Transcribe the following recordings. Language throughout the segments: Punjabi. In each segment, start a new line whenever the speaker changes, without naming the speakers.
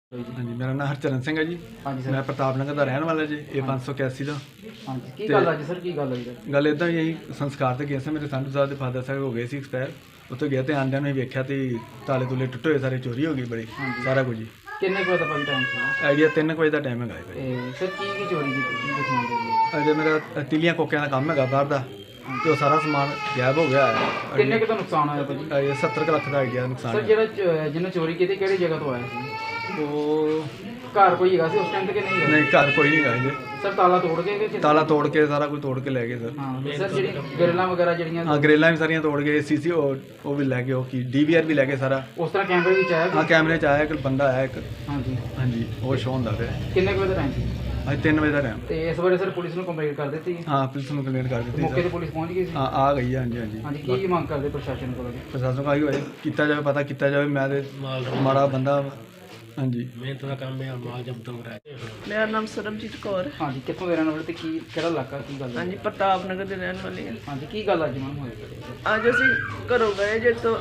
हाँ जी, मेरा नाम हरचरण सिंह है जी।
हाँ जी सर।
मैं प्रताप नगर का रहने वाला जी। ये 581 का
हाँ जी की गल अज सर की गल होई सर?
गल इदा यही संस्कार तो गए थे मेरे संधू साहब के फादर साहब हो गए सी एक्सपायर। उत्थे गए तो आंदिया ने वेख्या तो ताले तुले टुटे हुए सारे, चोरी हो गई बड़ी
हाँ जी।
सारा कुछ जी।
किन्ने कुछ भाई टाइम से?
आइडिया 3 बजे का टाइम है भाई।
सर की चोरी की दिखाने दे?
अजे मेरा तिलियां कोकियां का काम है बाहर का, तो सारा समान गायब हो गया है।
किन्ने का नुकसान होया भाई?
ये 70 लाख का आइडिया नुकसान
सर
है।
ਜਿਹੜਾ ਜਿਹਨੇ ਚੋਰੀ ਕੀਤੀ ਕਿਹੜੀ ਜਗ੍ਹਾ ਤੋਂ ਆਇਆ ਸੀ?
वो
ਘਰ ਕੋਈ ਹੈਗਾ ਸੀ ਉਸ ਟਾਈਮ ਤੇ कि नहीं?
नहीं घर कोई नहीं गए जी।
सर ताला तोड़ के कि?
ताला तोड़ के सारा कुछ तोड़ के ले गए सर।
हाँ सर ਜਿਹੜੀ ਗ੍ਰਿਲਾਂ ਵਗੈਰਾ ਜਿਹੜੀਆਂ
हाँ ग्रेलां भी सारियां तोड़ गए, सीसी वो भी लै गए, की DVR भी लै गए सारा।
ਉਸ ਤਰ੍ਹਾਂ ਕੈਮਰੇ ਵਿੱਚ ਆਇਆ?
हाँ कैमरे च आया एक बंदा आया एक।
हाँ जी।
हाँ जी वो शो होंदा पे
ਕਿੰਨੇ ਕੁ ਵਜੇ ਦਾ ਟਾਈਮ ਸੀ?
आज 3 बजे का टाइम।
ਤੇ ਇਸ ਬਾਰੇ ਸਰ ਪੁਲਿਸ ਨੂੰ ਕੰਪਲੇਂਟ ਕਰ ਦਿੱਤੀ?
हाँ पुलिस ने कंप्लेंट कर दी
ਮੌਕੇ
सर।
ਤੇ ਪੁਲਿਸ ਪਹੁੰਚ ਗਈ ਸੀ?
हाँ आ गई है। हाँ जी हाँ जी।
हाँ जी ਕੀ ਮੰਗ ਕਰਦੇ ਪ੍ਰਸ਼ਾਸਨ ਕੋਲੋਂ?
प्रशासन का ही किया जाए, पता किया जाए। मैं ते माड़ा बंदा। हाँ जी
ਮਿਹਨਤ ਦਾ ਕੰਮ ਹੈ, ਮਾਲ ਜਬਤ ਹੋ ਰਿਹਾ ਹੈ।
ਮੇਰਾ ਨਾਮ ਸਰਬਜੀਤ ਕੌਰ।
हाँ जी कितों दे रहने वाले ते की ਕਿਹੜਾ ਇਲਾਕਾ ਕੀ ਗੱਲ?
ਹਾਂਜੀ ਪ੍ਰਤਾਪ ਨਗਰ ਦੇ ਰਹਿਣ ਵਾਲੀ ਹਾਂ।
हाँ जी की गल अज मैम होई?
ਅੱਜ ਅਸੀਂ ਘਰੋਂ ਗਏ ਜੇ ਤੋਂ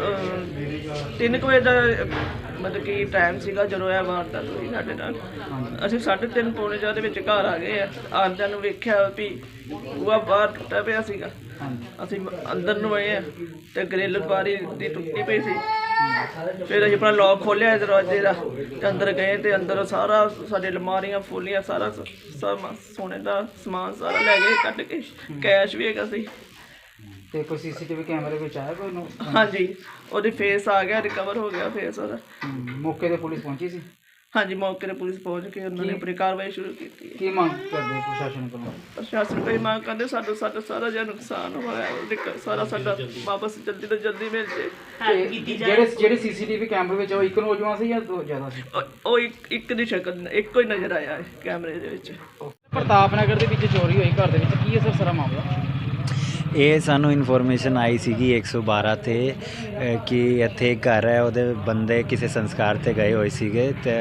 3 ਵਜੇ ਦਾ ਮਤਲਬ ਕਿ ਟਾਈਮ ਸੀਗਾ ਜਦੋਂ ਇਹ ਵਾਰਦਾਤ ਹੋਈ ਸਾਡੇ ਨਾਲ। ਅਸੀਂ 3:30 ਪੌਣੇ 4 ਦੇ ਵਿੱਚ ਘਰ ਆ ਗਏ ਆ। ਆਉਂਦਿਆਂ ਨੂੰ ਵੇਖਿਆ ਵੀ ਬੂਹਾ ਬਾਹਰ ਟੁੱਟਾ ਪਿਆ ਸੀਗਾ।
हाँ जी।
ਅਸੀਂ ਅੰਦਰ ਨੂੰ ਆਏ ਆ ਤੇ ਗ੍ਰਿਲ ਬਾਰੀ ਦੀ ਟੁੱਟੀ ਪਈ ਸੀ। ਫਿਰ ਅਸੀਂ ਆਪਣਾ ਲੌਕ ਖੋਲ੍ਹਿਆ ਦਰਵਾਜ਼ੇ ਦਾ ਤੇ ਅੰਦਰ ਗਏ ਤੇ ਅੰਦਰ ਸਾਰਾ ਸਾਡੇ ਅਲਮਾਰੀਆਂ ਫੋਲੀਆਂ ਸਾਰਾ ਸੋਨੇ ਦਾ ਸਮਾਨ ਸਾਰਾ ਲੈ ਗਏ ਕੱਢ ਕੇ। ਕੈਸ਼ ਵੀ ਹੈਗਾ ਸੀ।
ਤੇ ਕੋਈ ਸੀਸੀਟੀਵੀ ਕੈਮਰੇ ਵਿੱਚ ਆਇਆ ਕੋਈ ਨੂੰ?
ਹਾਂਜੀ ਉਹਦੀ ਫੇਸ ਆ ਗਿਆ, ਰਿਕਵਰ ਹੋ ਗਿਆ ਫੇਸ ਉਹਦਾ।
ਮੌਕੇ ਤੇ ਪੁਲਿਸ ਪਹੁੰਚੀ ਸੀ?
ਹਾਂਜੀ ਮੌਕੇ 'ਤੇ ਪੁਲਿਸ ਪਹੁੰਚ ਕੇ ਉਹਨਾਂ ਨੇ ਆਪਣੀ ਕਾਰਵਾਈ ਸ਼ੁਰੂ ਕੀਤੀ ਹੈ।
ਕੀ ਮੰਗ ਕਰਦੇ ਪ੍ਰਸ਼ਾਸਨ ਕੋਲੋਂ?
ਪ੍ਰਸ਼ਾਸਨ ਕੋਈ ਮੰਗ ਕਰਦੇ ਸਾਡਾ ਸਾਰਾ ਜਿਹਾ ਨੁਕਸਾਨ ਹੋਇਆ ਸਾਰਾ ਸਾਡਾ ਵਾਪਸ ਜਲਦੀ ਤੋਂ ਜਲਦੀ ਮਿਲ ਜੇ।
ਤੇ ਜਿਹੜੇ ਸੀਸੀਟੀਵੀ ਕੈਮਰੇ ਵਿੱਚ ਉਹ ਇੱਕ ਨੌਜਵਾਨ ਸੀ ਜਾਂ ਦੋ ਜ਼ਿਆਦਾ ਸੀ?
ਉਹ ਇੱਕ ਦੀ ਸ਼ਕਲ ਇੱਕੋ ਹੀ ਨਜ਼ਰ ਆਇਆ ਹੈ ਕੈਮਰੇ ਦੇ ਵਿੱਚ।
ਪ੍ਰਤਾਪ ਨਗਰ ਦੇ ਵਿੱਚ ਚੋਰੀ ਹੋਈ ਘਰ ਦੇ ਵਿੱਚ, ਕੀ ਹੈ ਸਰ ਸਾਰਾ ਮਾਮਲਾ?
ਇਹ ਸਾਨੂੰ ਇਨਫੋਰਮੇਸ਼ਨ ਆਈ ਸੀਗੀ 112 ਤੇ ਕਿ ਇੱਥੇ ਇੱਕ ਘਰ ਹੈ, ਉਹਦੇ ਬੰਦੇ ਕਿਸੇ ਸੰਸਕਾਰ ਤੇ ਗਏ ਹੋਏ ਸੀਗੇ ਤੇ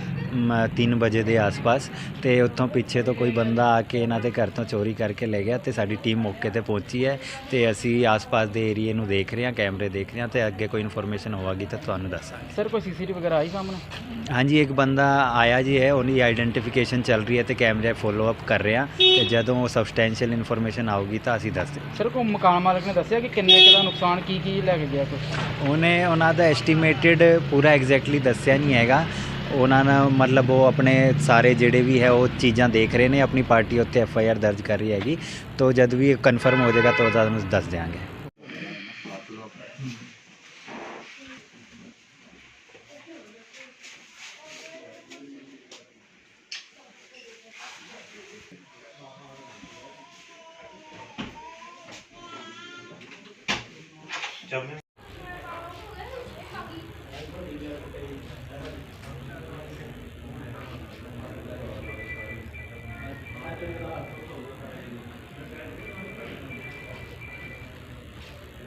3 ਵਜੇ ਦੇ ਆਸ-ਪਾਸ, ਤੇ ਉੱਥੋਂ ਪਿੱਛੇ ਤੋਂ ਕੋਈ ਬੰਦਾ ਆ ਕੇ ਇਹਨਾਂ ਦੇ ਘਰ ਤੋਂ ਚੋਰੀ ਕਰਕੇ ਲੈ ਗਿਆ। ਤੇ ਸਾਡੀ ਟੀਮ ਮੌਕੇ ਤੇ ਪਹੁੰਚੀ ਹੈ ਤੇ ਅਸੀਂ ਆਸ-ਪਾਸ ਦੇ ਏਰੀਏ ਨੂੰ ਦੇਖ ਰਹੇ ਹਾਂ, ਕੈਮਰੇ ਦੇਖ ਰਹੇ ਹਾਂ ਤੇ ਅੱਗੇ ਕੋਈ ਇਨਫੋਰਮੇਸ਼ਨ ਹੋਵੇਗੀ ਤਾਂ ਤੁਹਾਨੂੰ ਦੱਸਾਂਗੇ।
ਸਰ ਕੋਈ ਸੀਸੀਟੀਵੀ ਵਗੈਰਾ ਆਈ ਸਾਹਮਣੇ?
ਹਾਂਜੀ ਇੱਕ ਬੰਦਾ ਆਇਆ ਜੀ ਹੈ, ਉਹਦੀ ਆਈਡੈਂਟੀਫਿਕੇਸ਼ਨ ਚੱਲ ਰਹੀ ਹੈ ਤੇ ਕੈਮਰੇ ਫੋਲੋ ਅਪ ਕਰ ਰਹੇ ਹਾਂ ਤੇ ਜਦੋਂ ਉਹ ਸਬਸਟੈਂਸ਼ੀਅਲ ਇਨਫੋਰਮੇਸ਼ਨ ਆਊਗੀ ਤਾਂ ਅਸੀਂ ਦੱਸ ਦਿਆਂਗੇ।
ਸਰ ਕੋਈ ਮਕਾਨ ਮਾਲਕ ਨੇ ਦੱਸਿਆ ਕਿ ਕਿੰਨੇ ਕੁ ਦਾ ਨੁਕਸਾਨ ਕੀ ਲੈ ਕੇ ਗਿਆ ਕੁਛ?
ਉਹਨਾਂ ਦਾ ਐਸਟੀਮੇਟਡ ਪੂਰਾ ਐਗਜ਼ੈਕਟਲੀ ਦੱਸਿਆ ਨਹੀਂ ਹੈਗਾ। ਉਹਨਾਂ ਨੇ ਮਤਲਬ ਉਹ ਆਪਣੇ ਸਾਰੇ ਜਿਹੜੇ ਵੀ ਹੈ ਉਹ ਚੀਜ਼ਾਂ ਦੇਖ ਰਹੇ ਨੇ, ਆਪਣੀ ਪਾਰਟੀ ਉੱਤੇ FIR ਦਰਜ ਕਰ ਰਹੀ ਹੈਗੀ। ਤਾਂ ਜਦ ਵੀ ਕਨਫਰਮ ਹੋ ਜਾਏਗਾ ਤਾਂ ਤੁਹਾਨੂੰ ਦੱਸ ਦਿਆਂਗੇ।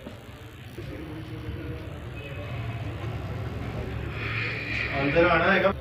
अंदर आना है।